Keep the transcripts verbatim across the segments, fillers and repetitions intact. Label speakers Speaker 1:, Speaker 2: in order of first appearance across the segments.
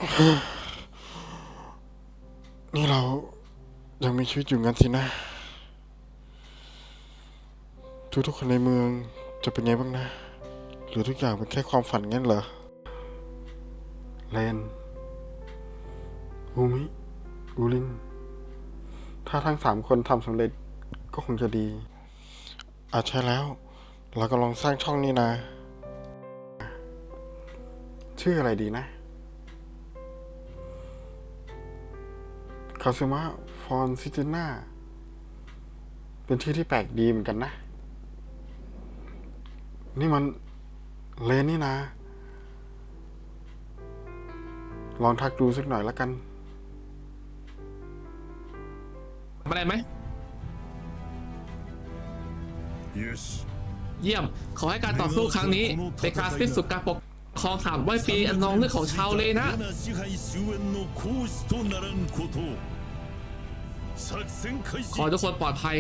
Speaker 1: นี่เรายังมีชีวิตอยู่งั้นสินะ ทุกๆคนในเมืองจะเป็นไงบ้างนะ หรือทุกอย่างเป็นแค่ความฝันงั้นเหรอเลนอูมิอูลินถ้าทั้งสามคนทำสำเร็จก็คงจะดีอาจใช่แล้วเรากำลังสร้างช่องนี้นะ ชื่ออะไรดีนะคาซึมะฟอนซิจิน่าเป็นชื่อที่แปลกดีเหมือนกันนะ นี่มันเลนนี่นะ ลองทักดูสักหน่อยแล้วกัน
Speaker 2: อะไรไหมเยี่ยมขอให้การต่อสู้ครั้งนี้เป็นการสิ้นสุดการปกครองสามร้อยปีอันนองเลือดของชาวเลนะขอทุกคนปลอดภัย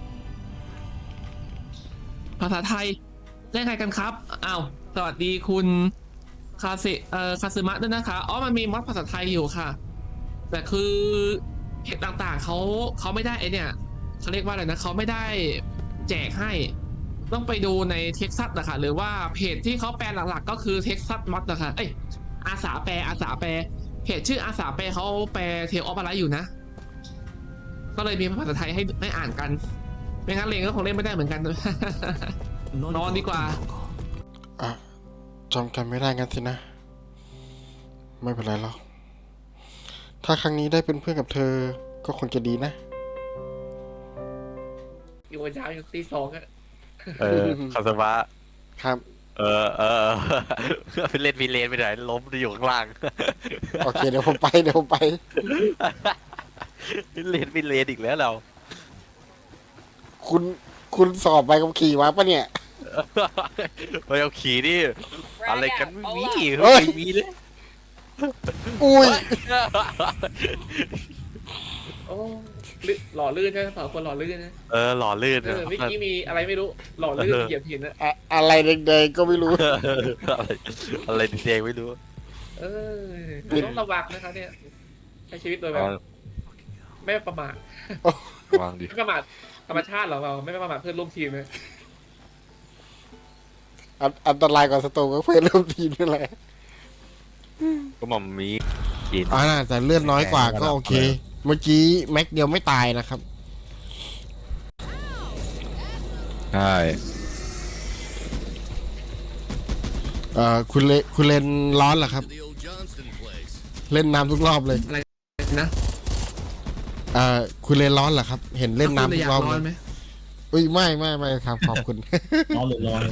Speaker 2: ภาษาไทยเล่นใครกันครับอ้าวสวัสดีคุณคาสิเอ่อคาซึมะด้วยนะคะอ๋อมันมีมอดภาษาไทยอยู่ค่ะแต่คือเพจต่างๆเขาเขาไม่ได้ไอเนี่ยเขาเรียกว่าอะไรนะเขาไม่ได้แจกให้ต้องไปดูในเท็กซัสนะคะหรือว่าเพจที่เขาแปลหลักๆก็คือเท็กซัสมอดนะคะเอ้ยอาสาแปลอาสาแปลเพจชื่ออาสาแปลเขาแปลเทลออฟอะไรอยู่นะก็เลยมีภาษาไทยให้ให้อ่านกันไม่งั้นเลงก็คงเล่นไม่ได้เหมือนกัน นอนดีกว่า
Speaker 1: อ่ะจำกันไม่ได้งั้นสินะ ไม่เป็นไรหรอกถ้าครั้งนี้ได้เป็นเพื่อนกับเธอก็คงจะดีนะ
Speaker 2: อยู่วันเช้าอยู่ตีสองอะ
Speaker 3: เออคาสวะ
Speaker 1: ครับ
Speaker 3: เออเออเพื่อไปเล่นพีเลนไปไหนล้มอยู่ข้างล่าง
Speaker 1: โอเคเดี๋ยวผมไปเดี๋ยวผมไป
Speaker 3: เล่นพีเลนอีกแล้วเรา
Speaker 1: คุณคุณสอบไปกับขี่มาปะเนี่ย
Speaker 3: ไปเอาขี่นี่อะไรกันไม่มี
Speaker 1: เฮ้ย
Speaker 3: ไม่มีเลย
Speaker 1: อุ้ย
Speaker 2: โอ้ลื่นหล่อลื่นใช่ไหมสาวคนหล่อลื่นนะ
Speaker 3: เออหล่อลื่น
Speaker 2: เออเมื่อกี้มีอะไรไม่รู้หล่อลื่นเหยียบหินนะ
Speaker 1: อะอะไรแดงๆก็ไม่รู้
Speaker 3: อะไรอะไรแดงไม่รู้
Speaker 2: เออต้องระวังนะคะเนี่ยใช้ชีวิตโดยแบบไม่ประมาท
Speaker 3: วางดิ
Speaker 2: ไม่ประมาทธรรมชาติหรอเราไม่ประมาทเพื่อนร่วมทีมเลย
Speaker 1: อันอันตรายกว่าสโตก็เพื่อนร่วมทีมนั่นแหละ
Speaker 3: ก็หม่อมมีกิน
Speaker 1: อ่าแต่เลือดน้อยกว่าก็โอเค เมื่อกี้แม็กเดียวไม่ตายนะครับ
Speaker 3: ใช่
Speaker 1: เอ่อคุณเลคุณเลนร้อนเหรอครับ เล่นน้ำทุกรอบเลย
Speaker 2: อะไรนะ
Speaker 1: เอ่อคุณเลนร้อนเหรอครับ เห็นเล่นน้ำทุกรอบ
Speaker 2: ร้
Speaker 1: เล
Speaker 2: อนไหม
Speaker 1: ยอุ้ยไม่ไม่ไม่ครับขอบคุณ
Speaker 4: ร้อนหรือร้อน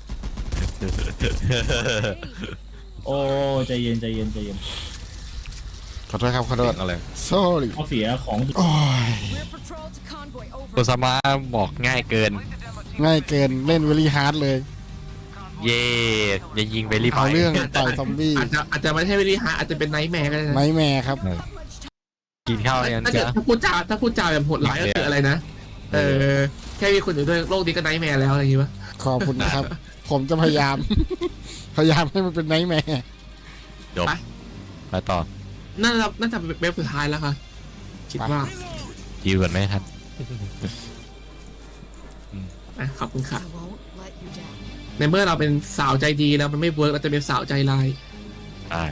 Speaker 4: โอ้ใจเย็นใจเย็นใจเย็น
Speaker 1: ขอโทษครับขอโทษ
Speaker 3: อะไร
Speaker 1: sorry
Speaker 4: เขาเสียของ
Speaker 1: โอ้ย
Speaker 3: โคซามาบอกง่ายเกิน
Speaker 1: ง่ายเกินเล่นเวลี่ฮาร์ดเลย
Speaker 3: เย่อย่ายิงไปรีบไป
Speaker 1: เอาเรื่องต่อยซอมบี้
Speaker 2: อาจจะอาจจะไม่ใช่วิธีหาอาจจะเป็นไนท์แมร์ก็ได้นะ
Speaker 1: ไนท์แมร์ครับ
Speaker 3: กินข้าวยัง
Speaker 2: ถ้าเกิด
Speaker 3: จ๊ะ
Speaker 2: ถ้าพูดจาถ้าพูดจาแบบโหดร้ายก็คืออะไรนะเออแค่มีคนอยู่ด้วยโลกนี้ก็ไนท์แมร์แล้วอะไรอย่างงี้ปะ
Speaker 1: ขอบคุณนะครับ ผมจะพยายาม พยายามให้มันเป็นไนท์แมร์
Speaker 3: จบไปต่อ
Speaker 2: น่าจะน่าจะเป็นเว็บสุดท้ายแล้วค่ะคิดว่า
Speaker 3: ยิวกันไหมครับ
Speaker 2: อ่ะขอบคุณค่ะในเมื่อเราเป็นสาวใจดีแล้วมันไม่เวิร์กเราจะเป็นสาวใจร้าย
Speaker 3: ใช่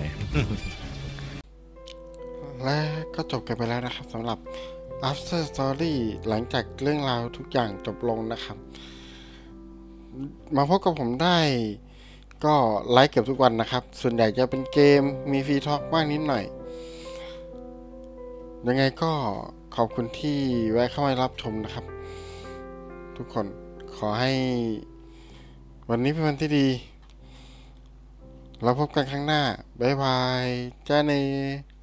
Speaker 1: และก็จบกันไปแล้วนะครับสำหรับ after story หลังจากเรื่องราวทุกอย่างจบลงนะครับ มาพบกับผมได้ก็ไลฟ์เกือบทุกวันนะครับ ส่วนใหญ่จะเป็นเกมมีฟรีทอล์กบ้างนิดหน่อย ยังไงก็ขอบคุณที่แวะเข้ามารับชมนะครับ ทุกคนขอให้วันนี้เป็นวันที่ดี เราพบกันครั้งหน้า บ๊ายบาย จ้าเน